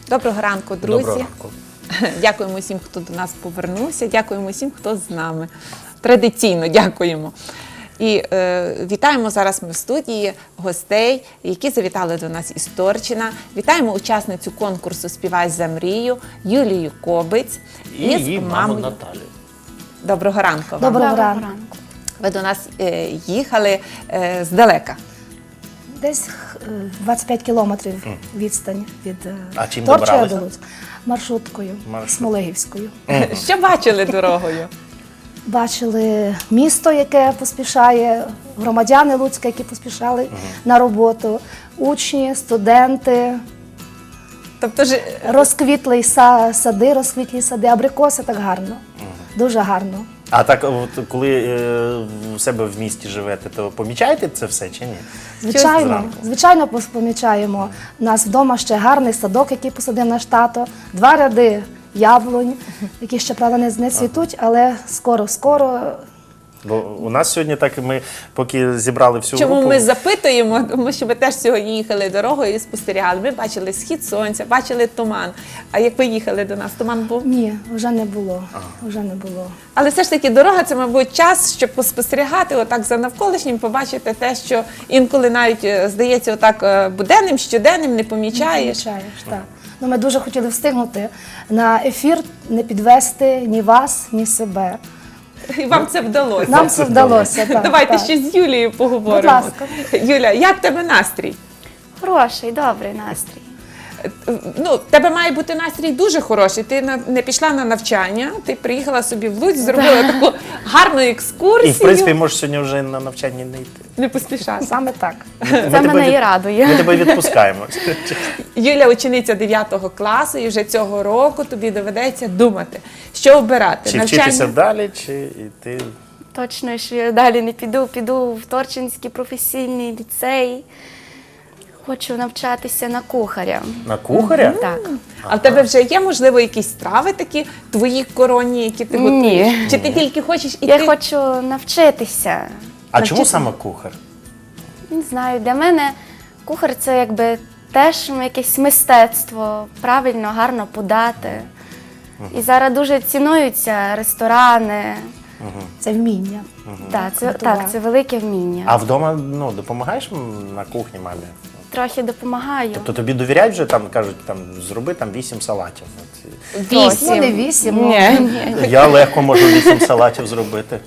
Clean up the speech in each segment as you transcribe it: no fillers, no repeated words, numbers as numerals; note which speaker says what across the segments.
Speaker 1: Доброго ранку, друзі.
Speaker 2: Доброго ранку.
Speaker 1: Дякуємо всім, хто до нас повернувся. Дякуємо всім, хто з нами. Традиційно дякуємо. І вітаємо зараз ми в студії гостей, які завітали до нас із Торчина. Вітаємо учасницю конкурсу «Співай за мрію» Юлію Кобиць
Speaker 2: І її маму Наталію.
Speaker 1: Доброго ранку вам.
Speaker 3: Доброго ранку.
Speaker 1: Ви до нас їхали здалека.
Speaker 3: Десь 25 кілометрів відстань від
Speaker 2: А чим
Speaker 3: Торчина
Speaker 2: добиралися?
Speaker 3: до Луцька. Маршруткою, Смолегівською.
Speaker 1: Що бачили дорогою?
Speaker 3: Бачили місто, яке поспішає, громадяни Луцька, які поспішали на роботу, учні, студенти,
Speaker 1: Тобто ж
Speaker 3: розквітлі сади, абрикоси, так гарно, дуже гарно.
Speaker 2: А так, от, коли в себе в місті живете, то помічаєте це все чи ні?
Speaker 3: Звичайно, помічаємо. У нас вдома ще гарний садок, який посадив наш тато, 2 ряди яблунь, які ще, правда, не цвітуть, але скоро.
Speaker 2: Бо у нас сьогодні так, ми поки зібрали всю
Speaker 1: чому
Speaker 2: групу...
Speaker 1: ми запитуємо, тому що ми теж сьогодні їхали дорогою і спостерігали. Ми бачили схід сонця, бачили туман. А як ви їхали до нас, туман був?
Speaker 3: Ні, вже не було. Вже не було.
Speaker 1: Але все ж таки дорога – це, мабуть, час, щоб поспостерігати отак за навколишнім, побачити те, що інколи навіть здається отак буденним, щоденним, не помічаєш.
Speaker 3: Так. Ну, ми дуже хотіли встигнути на ефір, не підвести ні вас, ні себе.
Speaker 1: І вам це вдалося.
Speaker 3: Нам це вдалося. Так,
Speaker 1: Давайте
Speaker 3: так.
Speaker 1: ще з Юлією поговоримо.
Speaker 3: Будь ласка.
Speaker 1: Юля, як в тебе настрій?
Speaker 4: Хороший, добрий настрій.
Speaker 1: Ну, в тебе має бути настрій дуже хороший. Ти не пішла на навчання, ти приїхала собі в Луцьк, зробила таку гарну екскурсію.
Speaker 2: І, в принципі, можеш сьогодні вже на навчання не йти.
Speaker 1: Не поспішати.
Speaker 3: Саме так.
Speaker 4: Це мене і радує.
Speaker 2: Ми тебе відпускаємо.
Speaker 1: Юля учениця 9 класу, і вже цього року тобі доведеться думати, що обирати.
Speaker 2: Чи вчитися далі, чи йти...
Speaker 4: Точно, що я далі не піду в Торчинський професійний ліцей. Хочу навчатися на кухаря.
Speaker 2: На кухаря?
Speaker 4: Так.
Speaker 1: А в тебе вже є, можливо, якісь страви такі твої коронні, які ти готуєш?
Speaker 4: Ні.
Speaker 1: Чи ти тільки хочеш іти?
Speaker 4: Я хочу навчитися.
Speaker 2: А чому саме кухар?
Speaker 4: Не знаю, для мене кухар – це якби теж якесь мистецтво, правильно, гарно подати. І зараз дуже цінуються ресторани.
Speaker 3: Це вміння.
Speaker 4: Так, це велике вміння.
Speaker 2: А вдома допомагаєш на кухні мамі?
Speaker 4: Трохи допомагаю.
Speaker 2: Тобто тобі довіряють вже, там кажуть, зроби 8 салатів. От.
Speaker 1: 8.
Speaker 3: Ну, не 8.
Speaker 4: Ні.
Speaker 2: Я легко можу 8 салатів зробити.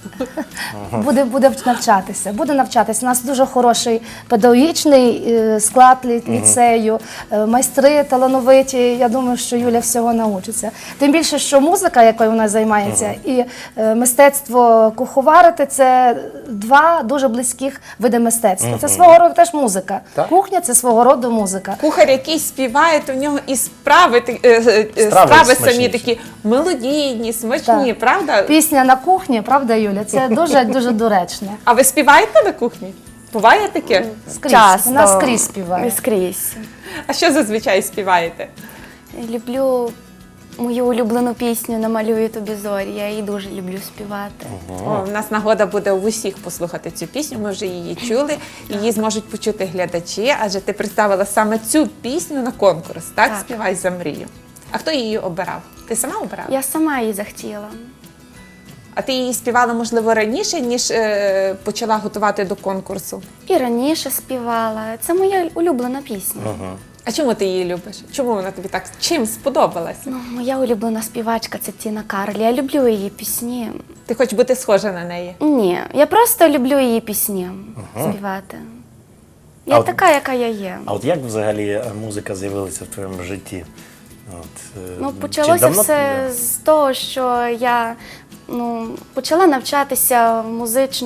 Speaker 3: Буде навчатися. Буде навчатися. У нас дуже хороший педагогічний склад ліцею, майстри талановиті. Я думаю, що Юля всього навчиться. Тим більше, що музика, якою вона займається, і мистецтво куховарити – це 2 дуже близьких види мистецтва. Це свого роду теж музика.
Speaker 2: Так.
Speaker 3: Кухня – це свого роду музика.
Speaker 1: Кухар, який співає, то в нього і страви
Speaker 2: Страви
Speaker 1: самі
Speaker 2: смачніші.
Speaker 1: такі мелодійні, смачні,
Speaker 3: Так.
Speaker 1: правда?
Speaker 3: Пісня на кухні, правда, Юля? Це дуже доречно.
Speaker 1: А ви співаєте на кухні? Буває таке?
Speaker 3: Скрізь.
Speaker 4: Часто.
Speaker 3: Вона скрізь співає.
Speaker 4: Скрізь.
Speaker 1: А що зазвичай співаєте?
Speaker 4: Люблю мою улюблену пісню «Намалюю тобі зорі». Я її дуже люблю співати.
Speaker 1: О, у нас нагода буде у усіх послухати цю пісню, ми вже її чули, її зможуть почути глядачі, адже ти представила саме цю пісню на конкурс, так?
Speaker 4: Так.
Speaker 1: «Співай за мрію». А хто її обирав? Ти сама обирала?
Speaker 4: Я сама її захотіла.
Speaker 1: А ти її співала, можливо, раніше, ніж почала готувати до конкурсу?
Speaker 4: І раніше співала. Це моя улюблена пісня.
Speaker 1: А чому ти її любиш? Чому вона тобі так чим сподобалася?
Speaker 4: Ну, моя улюблена співачка – це Тіна Кароль. Я люблю її пісні.
Speaker 1: Ти хочеш бути схожа на неї?
Speaker 4: Ні, я просто люблю її пісні співати. Я
Speaker 2: А от-
Speaker 4: така, яка я є.
Speaker 2: А от як взагалі музика з'явилася в твоєму житті?
Speaker 4: Ну,
Speaker 2: чи
Speaker 4: почалося
Speaker 2: давно
Speaker 4: все
Speaker 2: ти-
Speaker 4: з того, що я почала навчатися в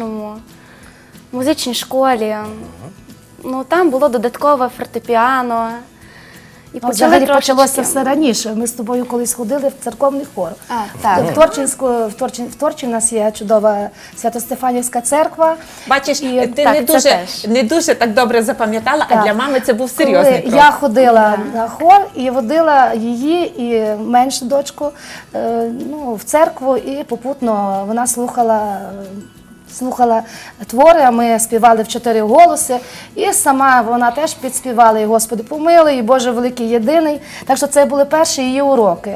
Speaker 4: музичній школі. Ну, там було додаткове фортепіано. І
Speaker 3: Взагалі
Speaker 4: трошечки-
Speaker 3: почалося все раніше. Ми з тобою колись ходили в церковний хор.
Speaker 4: так.
Speaker 3: В Торчі в нас є чудова Свято-Стефанівська церква.
Speaker 1: Бачиш,
Speaker 3: І
Speaker 1: ти
Speaker 4: так, це теж.
Speaker 1: не дуже так добре запам'ятала, а
Speaker 3: Так.
Speaker 1: для мами це був серйозний
Speaker 3: Коли
Speaker 1: крок.
Speaker 3: я ходила на хор і водила її і меншу дочку в церкву, і попутно вона слухала слухала твори, а ми співали в 4 голоси. І сама вона теж підспівала і «Господи помилуй», і «Боже великий єдиний». Так що це були перші її уроки.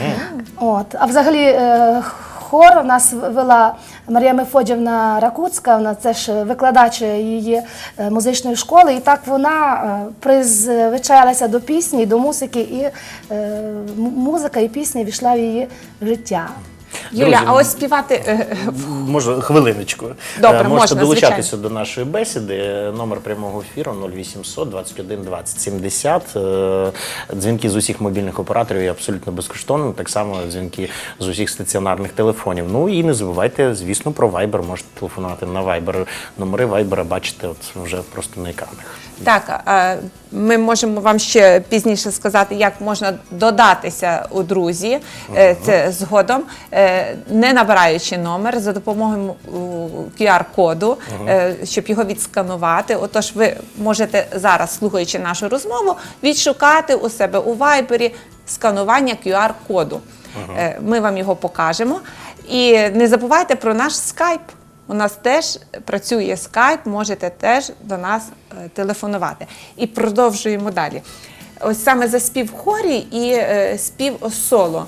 Speaker 3: От. А взагалі хор у нас вела Марія Мефодіївна Ракуцька, вона теж викладач її музичної школи, і так вона призвичаїлася до пісні, до музики, і музика і пісня війшла в її життя.
Speaker 1: Юля,
Speaker 2: Друзі,
Speaker 1: а ось співати
Speaker 2: Можу, хвилиночку.
Speaker 1: Добре,
Speaker 2: Можете
Speaker 1: можна,
Speaker 2: долучатися
Speaker 1: звичайно.
Speaker 2: до нашої бесіди. Номер прямого ефіру 0800 21 20 70. Дзвінки з усіх мобільних операторів є абсолютно безкоштовними. Так само дзвінки з усіх стаціонарних телефонів. Ну і не забувайте, звісно, про Viber. Можете телефонувати на Viber. Номери Viber бачите от вже просто на екранах.
Speaker 1: Так, ми можемо вам ще пізніше сказати, як можна додатися у друзі, це згодом, не набираючи номер, за допомогою QR-коду, щоб його відсканувати. Отож, ви можете зараз, слухаючи нашу розмову, відшукати у себе у Вайбері сканування QR-коду. Ми вам його покажемо. І не забувайте про наш скайп. У нас теж працює скайп, можете теж до нас телефонувати. І продовжуємо далі. Ось саме за спів в хорі і спів соло.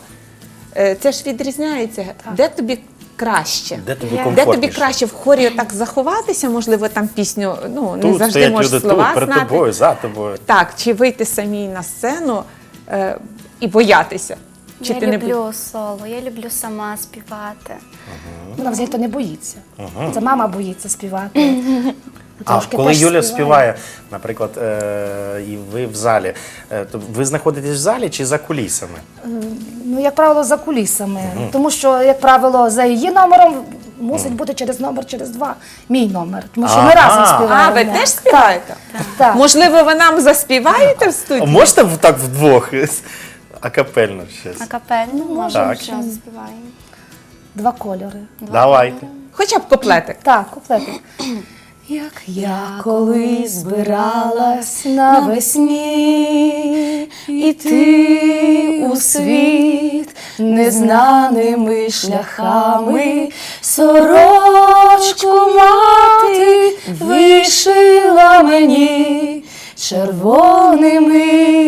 Speaker 1: Це ж відрізняється. Де тобі краще?
Speaker 2: Де тобі
Speaker 1: Де
Speaker 2: комфортніше?
Speaker 1: тобі краще в хорі так заховатися, можливо, там пісню, ну, не
Speaker 2: Тут
Speaker 1: завжди
Speaker 2: стоять
Speaker 1: можеш
Speaker 2: люди,
Speaker 1: слова
Speaker 2: тут, перед
Speaker 1: знати.
Speaker 2: тобою, за тобою.
Speaker 1: Так, чи вийти самій на сцену і боятися? Чи
Speaker 4: Я
Speaker 1: ти не
Speaker 4: люблю соло, я люблю сама співати.
Speaker 3: Вона взагалі-то не боїться. Це мама боїться співати.
Speaker 2: А
Speaker 3: Трошки
Speaker 2: коли
Speaker 3: теж
Speaker 2: Юля співає, наприклад, і ви в залі, то ви знаходитесь в залі чи за кулісами?
Speaker 3: Ну, як правило, за кулісами. Тому що, як правило, за її номером мусить бути через номер, через 2 мій номер. Тому що ми
Speaker 2: Ага.
Speaker 3: разом співаємо.
Speaker 1: А, ви теж співаєте?
Speaker 3: Так.
Speaker 1: Можливо, ви нам заспіваєте в
Speaker 2: А
Speaker 1: студії?
Speaker 2: можете так вдвох? Акапельно щось?
Speaker 4: Акапельно, можемо
Speaker 2: Так.
Speaker 4: щось заспіваємо.
Speaker 3: 2 кольори.
Speaker 2: Давайте.
Speaker 1: Хоча б куплетик.
Speaker 3: Так, куплетик. Як я колись збиралась навесні іти у світ незнаними шляхами, сорочку мати вишила мені червоними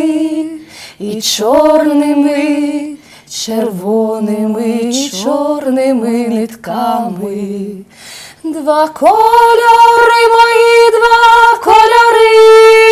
Speaker 3: і чорними, червоними і чорними нитками. 2 кольори мої, 2 кольори,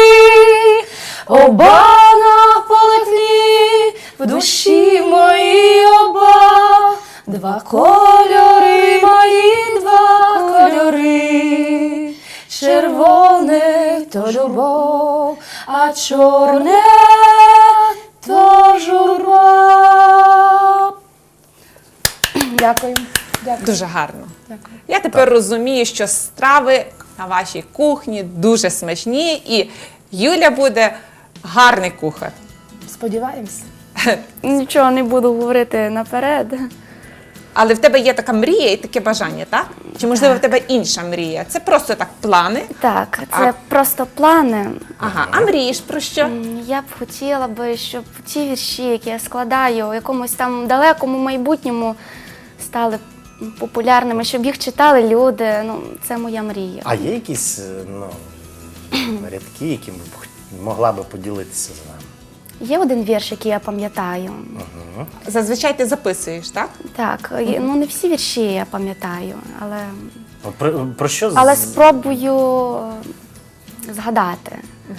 Speaker 3: оба на полотні, в душі мої оба. 2 кольори мої, 2 кольори, червоне то любов, а чорне то журба. Дякую. Дякую.
Speaker 1: Дуже гарно.
Speaker 3: Дякую.
Speaker 1: Я тепер розумію, що страви на вашій кухні дуже смачні, і Юля буде гарний кухар.
Speaker 3: Сподіваємося.
Speaker 4: Нічого не буду говорити наперед.
Speaker 1: Але в тебе є така мрія і таке бажання, так? Чи можливо в тебе інша мрія? Це просто так плани.
Speaker 4: Так, це просто плани.
Speaker 1: Ага, а мрієш про що?
Speaker 4: Я б хотіла би, щоб ті вірші, які я складаю, у якомусь там далекому майбутньому стали популярними, щоб їх читали люди. Ну, це моя мрія.
Speaker 2: А є якісь рядки, які могла би поділитися з нами?
Speaker 4: Є один вірш, який я пам'ятаю.
Speaker 1: Зазвичай ти записуєш, так?
Speaker 4: Так, ну не всі вірші я пам'ятаю, але
Speaker 2: От про що?
Speaker 4: але спробую згадати.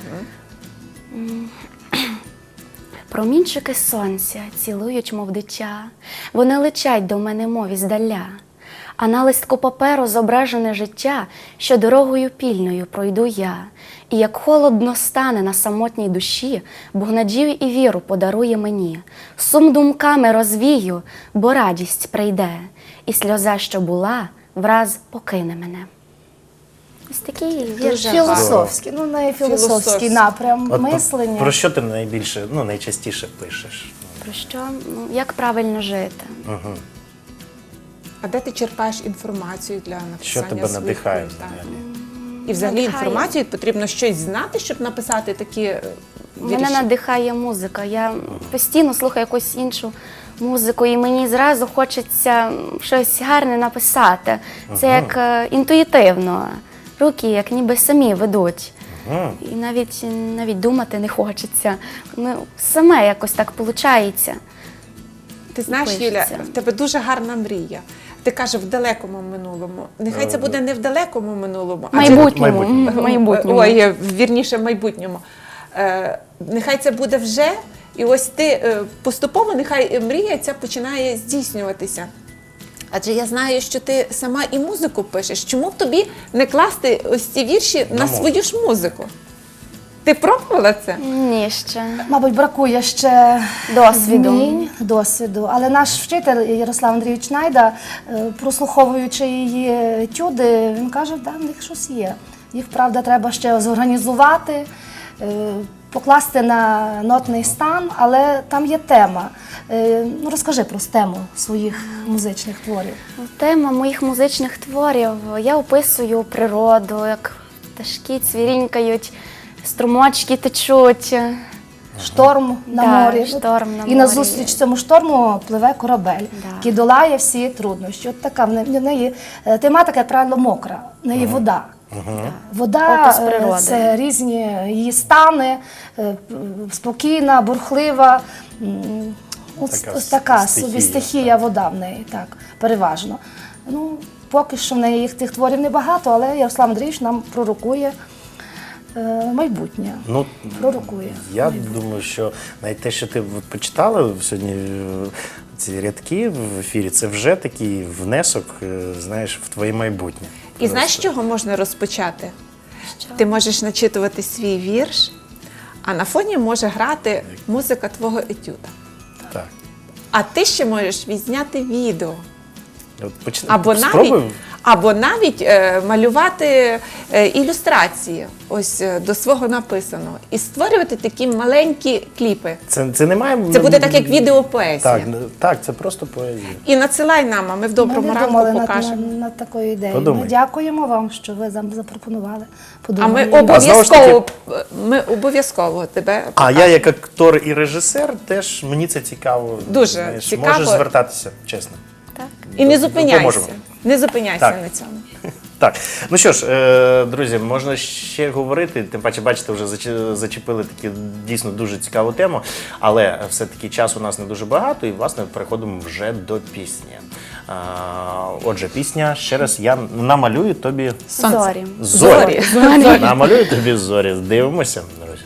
Speaker 4: Промінчики сонця цілують, мов дитя, вони летять до мене, мов іздаля. А на листку паперу зображене життя, що дорогою пільною пройду я. І як холодно стане на самотній душі, Бог надію і віру подарує мені. Сум думками розвію, бо радість прийде, і сльоза, що була, враз покине мене. Ось такий вірш.
Speaker 3: Філософський, ну найфілософський
Speaker 1: Філософський.
Speaker 3: напрям
Speaker 2: От
Speaker 3: мислення.
Speaker 2: про що ти найбільше, найчастіше пишеш?
Speaker 4: Про що? Ну, як правильно жити.
Speaker 1: А де ти черпаєш інформацію для написання
Speaker 2: Що тебе
Speaker 1: своїх
Speaker 2: надихає
Speaker 1: книг? Так.
Speaker 2: взагалі?
Speaker 1: І взагалі
Speaker 4: Надихає.
Speaker 1: інформацію потрібно щось знати, щоб написати такі вірші.
Speaker 4: Мене надихає музика. Я постійно слухаю якусь іншу музику, і мені зразу хочеться щось гарне написати. Це як інтуїтивно. Руки як ніби самі ведуть. І навіть думати не хочеться. Ну, саме якось так виходить.
Speaker 1: Ти знаєш,
Speaker 4: Пишеться.
Speaker 1: Юля, в тебе дуже гарна мрія. Ти кажеш в далекому минулому. Нехай це буде не в далекому минулому, а
Speaker 4: Майбутньому.
Speaker 1: Ой, вірніше, в майбутньому. Нехай це буде вже, і ось ти поступово, нехай мрія ця починає здійснюватися. Адже я знаю, що ти сама і музику пишеш. Чому б тобі не класти ось ці вірші на свою ж музику? Ти пробувала це?
Speaker 4: Ні, ще.
Speaker 3: Мабуть, бракує ще
Speaker 4: Досвіду.
Speaker 3: досвіду. Але наш вчитель Ярослав Андрійович Найда, прослуховуючи її етюди, він каже, да, в них щось є. Їх, правда, треба ще зорганізувати, покласти на нотний стан, але там є тема. Ну, розкажи про тему своїх музичних творів.
Speaker 4: Тема моїх музичних творів. Я описую природу, як пташки цвірінькають, струмочки течуть.
Speaker 3: Шторм на
Speaker 4: Да,
Speaker 3: морі.
Speaker 4: шторм на
Speaker 3: І на
Speaker 4: морі.
Speaker 3: зустріч цьому шторму пливе корабель,
Speaker 4: Да.
Speaker 3: який долає всі труднощі. От така в неї тематика, як правило, мокра, в неї вода. Вода
Speaker 4: Опис природи.
Speaker 3: це різні її стани, спокійна, бурхлива. Ось така собі стихія вода в неї, так, переважно. Ну, поки що в неї їх тих творів небагато, але Ярослав Андрійович нам пророкує майбутнє.
Speaker 2: Ну,
Speaker 3: Пророкує.
Speaker 2: я думаю, що навіть те, що ти от почитала сьогодні ці рядки в ефірі, це вже такий внесок, знаєш, в твоє майбутнє.
Speaker 1: І знаєш, з чого можна розпочати? Ти можеш начитувати свій вірш, а на фоні може грати музика твого етюда.
Speaker 2: Так.
Speaker 1: А ти ще можеш відзняти відео.
Speaker 2: От
Speaker 1: Або навіть малювати ілюстрації ось до свого написаного. І створювати такі маленькі кліпи.
Speaker 2: Це не має...
Speaker 1: Це буде так, як відеопоезія.
Speaker 2: Так, це просто поезія.
Speaker 1: І надсилай нам, а ми в доброму
Speaker 3: Ми не
Speaker 1: ранку
Speaker 3: думали
Speaker 1: покажемо.
Speaker 3: над такою ідеєю.
Speaker 2: Подумай.
Speaker 3: Ми дякуємо вам, що ви нам запропонували.
Speaker 1: А
Speaker 3: Подумаємо.
Speaker 1: ми обов'язково тебе
Speaker 2: А я як актор і режисер теж, мені це цікаво.
Speaker 1: Дуже цікаво.
Speaker 2: Можу звертатися, чесно.
Speaker 4: Так.
Speaker 1: І не зупиняйся.
Speaker 2: Допоможемо.
Speaker 1: Не зупиняйся
Speaker 2: Так.
Speaker 1: на цьому.
Speaker 2: Так, ну що ж, друзі, можна ще говорити, тим паче, бачите, вже зачепили таку дійсно дуже цікаву тему, але все-таки часу у нас не дуже багато, і, власне, переходимо вже до пісні. Отже, пісня, ще раз, я намалюю тобі
Speaker 1: Сонце.
Speaker 4: Зорі.
Speaker 2: зорі. Намалюю тобі зорі. Дивимося, друзі.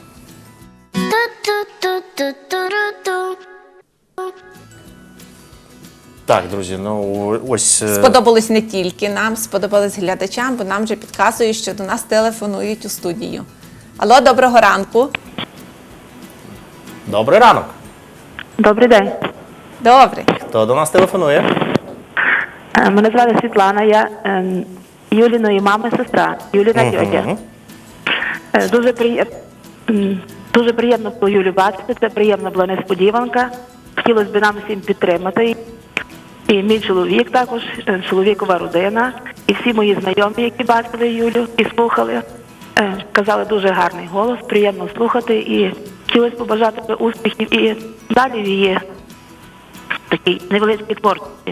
Speaker 2: Так, друзі, ну ось...
Speaker 1: Сподобалось не тільки нам, сподобалось глядачам, бо нам вже підказують, що до нас телефонують у студію. Алло, доброго ранку.
Speaker 2: Добрий ранок.
Speaker 5: Добрий день.
Speaker 1: Добре.
Speaker 2: Хто до нас телефонує?
Speaker 5: Мене звати Світлана, я Юліної мами сестра, Юліна тьотя. Дуже приємно було Юлю бачити, це приємна була несподіванка. Хотілося б нам всім підтримати. І мій чоловік також, чоловікова родина, і всі мої знайомі, які бачили Юлю і слухали, казали дуже гарний голос, приємно слухати, і хотілося побажати успіхів і далі в її такій невеличкій творчості.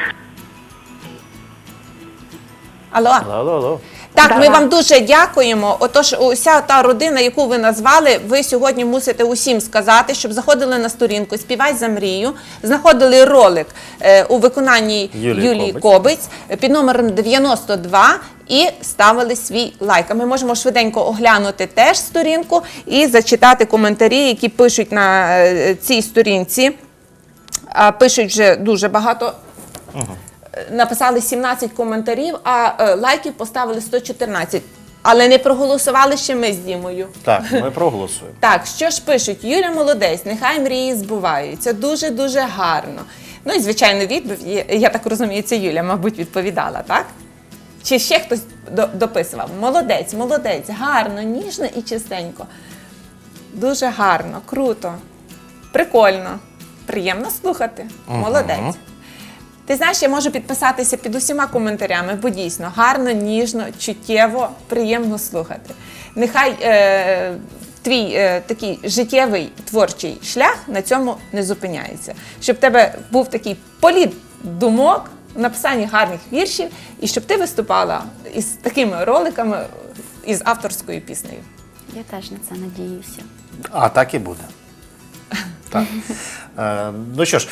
Speaker 1: Алло.
Speaker 2: Алло.
Speaker 1: Так, ми вам дуже дякуємо. Отож, уся та родина, яку ви назвали, ви сьогодні мусите усім сказати, щоб заходили на сторінку «Співай за мрію», знаходили ролик у виконанні Юлії Кобиць під номером 92 і ставили свій лайк. А ми можемо швиденько оглянути теж сторінку і зачитати коментарі, які пишуть на цій сторінці. Пишуть вже дуже багато. Написали 17 коментарів, а лайків поставили 114. Але не проголосували ще ми з Дімою.
Speaker 2: Так, ми проголосуємо.
Speaker 1: Так, що ж пишуть? Юля молодець, нехай мрії збуваються. Дуже-дуже гарно. Ну і, звичайно, відповідь, я так розумію, це Юля, мабуть, відповідала, так? Чи ще хтось дописував? Молодець, молодець, гарно, ніжно і чистенько. Дуже гарно, круто, прикольно, приємно слухати. Молодець. Ти знаєш, я можу підписатися під усіма коментарями, бо дійсно гарно, ніжно, чуттєво, приємно слухати. Нехай твій такий життєвий творчий шлях на цьому не зупиняється. Щоб в тебе був такий політ думок, написання гарних віршів, і щоб ти виступала із такими роликами, із авторською піснею.
Speaker 4: Я теж на це надіюся.
Speaker 2: А так і буде. Так. Ну що ж,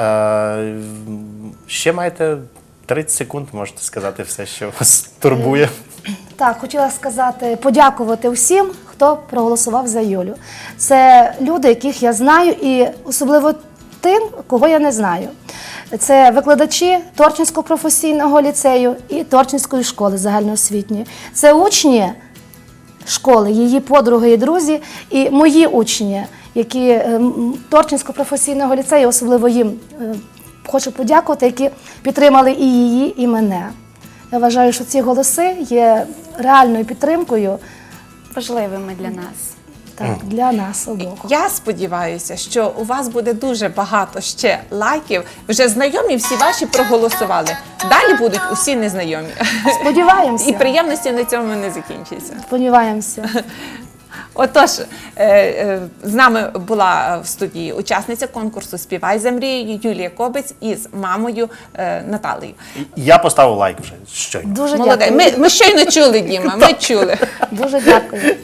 Speaker 2: ще маєте 30 секунд, можете сказати все, що вас турбує.
Speaker 3: Так, хотіла сказати, подякувати всім, хто проголосував за Юлю. Це люди, яких я знаю, і особливо тим, кого я не знаю. Це викладачі Торчинського професійного ліцею і Торчинської школи загальноосвітньої. Це учні школи, її подруги і друзі, і мої учні, які Торчинського професійного ліцею, особливо їм хочу подякувати, які підтримали і її, і мене. Я вважаю, що ці голоси є реальною підтримкою
Speaker 4: Важливими для нас.
Speaker 3: для нас обох.
Speaker 1: Я сподіваюся, що у вас буде дуже багато ще лайків. Вже знайомі всі ваші проголосували. Далі будуть усі незнайомі.
Speaker 3: Сподіваємося.
Speaker 1: І приємності на цьому не закінчиться.
Speaker 3: Сподіваємося.
Speaker 1: Отож, з нами була в студії учасниця конкурсу «Співай за мрією» Юлія Кобець із мамою Наталею.
Speaker 2: Я поставив лайк вже щойно.
Speaker 3: Дуже
Speaker 1: Молодець.
Speaker 3: дякую.
Speaker 1: Ми щойно чули, Діма, ми чули.
Speaker 3: Дуже дякую.